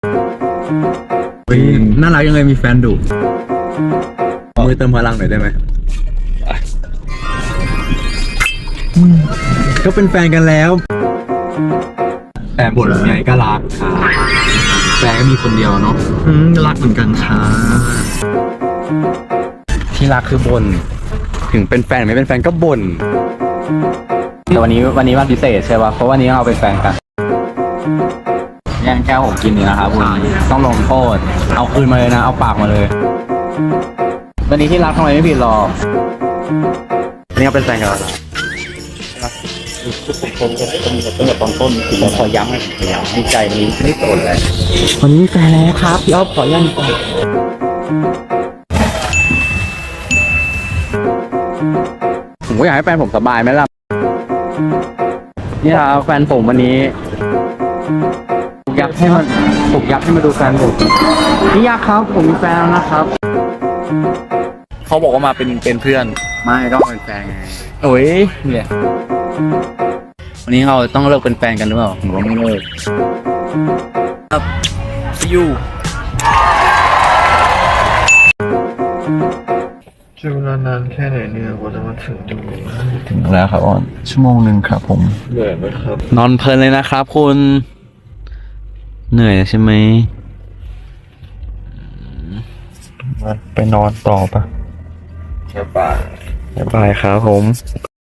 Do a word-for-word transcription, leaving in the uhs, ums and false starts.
น่ารักยังไงมีแฟนดุมือเติมพลังหน่อยได้ไหมก็เป็นแฟนกันแล้วแต่บทไงก็รักค่ะแฟนก็มีคนเดียวเนาะรักเหมือนกันค่ะที่รักคือบนถึงเป็นแฟนไม่เป็นแฟนก็บ่นแต่วันนี้วันนี้วันพิเศษใช่ป่ะเพราะวันนี้เราเป็นแฟนกันแย่งแก้วผมกินนี่นะครับคุณต้องลงโทษเอาคืนมาเลยนะเอาปากมาเลยวันนี้ที่รักทำไมไม่ผิดหรอกนี่ก็เป็นแฟนกันแล้วทุกคนก็ต้องมีตั้งแต่ตอนต้นถึงเราขอย้ำขอย้ำดีใจวันนี้ไม่ได้โกรธเลยวันนี้มีแฟนแล้วครับพี่อ๊อฟขอย้ำก่อนผมก็อยากให้แฟนผมสบายไหมล่ะนี่ครับแฟนผมวันนี้อยากให้มันผมอยากให้มาดูแฟนผมนี่ยากครับผมมีแฟนแล้วนะครับเขาบอกว่ามาเป็นเป็นเพื่อนไม่ก็เป็นแฟนไงโอ้ยเนี่ยวันนี้เราต้องเลิกเป็นแฟนกันหรือเปล่าหรือว่าไม่เลิกครับ see you ใช้เวลานานแค่ไหนเนี่ยกว่าจะมาถึงตรงนี้ถึงแล้วครับออนชั่วโมงหนึ่งครับผมเหนื่อยไหมครับนอนเพลินเลยนะครับคุณเหนื่อยใช่ไหมมาไปนอนต่อปะบ๊ายบายบ๊ายบายครับผม